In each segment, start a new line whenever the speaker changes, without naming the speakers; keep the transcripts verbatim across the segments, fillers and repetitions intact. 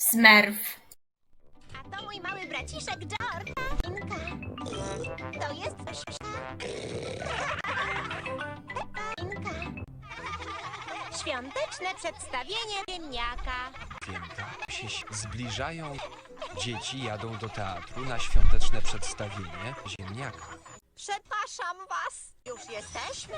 Smurf.
A to mój mały braciszek George. Inka. To jest Peppa. Inka. Świąteczne przedstawienie ziemniaka.
Święta się zbliżają. Dzieci jadą do teatru na świąteczne przedstawienie ziemniaka.
Przepraszam was. Już jesteśmy.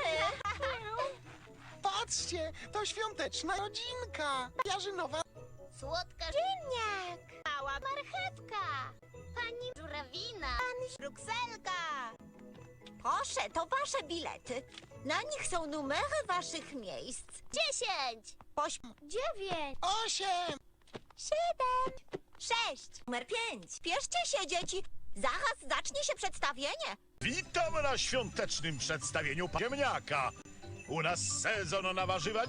Patrzcie, to świąteczna rodzinka. Jarzynowa.
Słodka ziemniak. Mała marchewka. Pani żurawina. Pani brukselka. Proszę, to wasze bilety. Na nich są numery waszych miejsc. Dziesięć. Ośm. Dziewięć.
Osiem.
Siedem. Sześć. Numer pięć. Spieszcie się, dzieci. Zaraz zacznie się przedstawienie.
Witam na świątecznym przedstawieniu ziemniaka. U nas sezon na warzywa.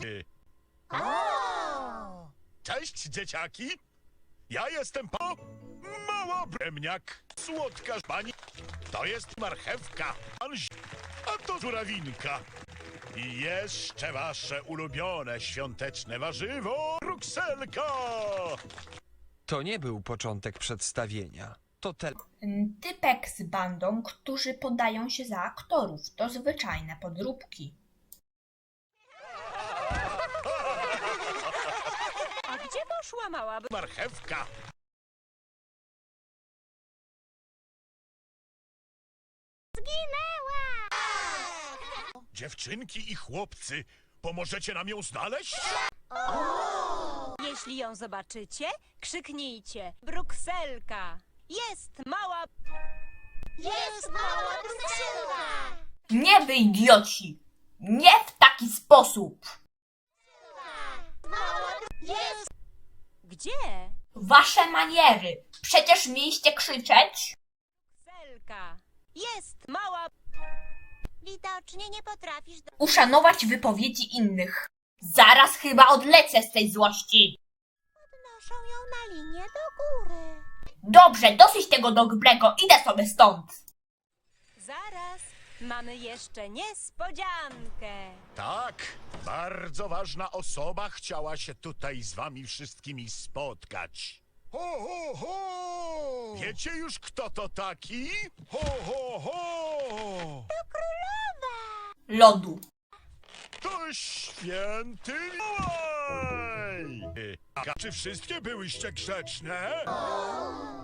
Cześć, dzieciaki. Ja jestem pa... Mała ziemniak. Słodka pani. To jest marchewka. Pan zi- A to żurawinka. I jeszcze wasze ulubione świąteczne warzywo. Brukselka.
To nie był początek przedstawienia. To te...
Typek z bandą, którzy podają się za aktorów. To zwyczajne podróbki.
A gdzie poszła mała
Marchewka.
Zginęła!
Dziewczynki i chłopcy, pomożecie nam ją znaleźć?
Jeśli ją zobaczycie, krzyknijcie Brukselka! Jest mała...
Jest mała Brukselka!
Nie wy idioci! Nie w taki sposób!
Mała Jest
Gdzie?
Wasze maniery! Przecież mieliście krzyczeć!
Brukselka! Jest mała...
Widocznie nie potrafisz do...
Uszanować wypowiedzi innych. Zaraz chyba odlecę z tej złości.
Noszą ją na linię do góry.
Dobrze, dosyć tego dobrego, idę sobie stąd.
Zaraz, mamy jeszcze niespodziankę.
Tak, bardzo ważna osoba chciała się tutaj z wami wszystkimi spotkać.
Ho, ho, ho!
Wiecie już, kto to taki? Ho, ho, ho!
Lodu.
To święty Mikołaj! A czy wszystkie byłyście grzeczne?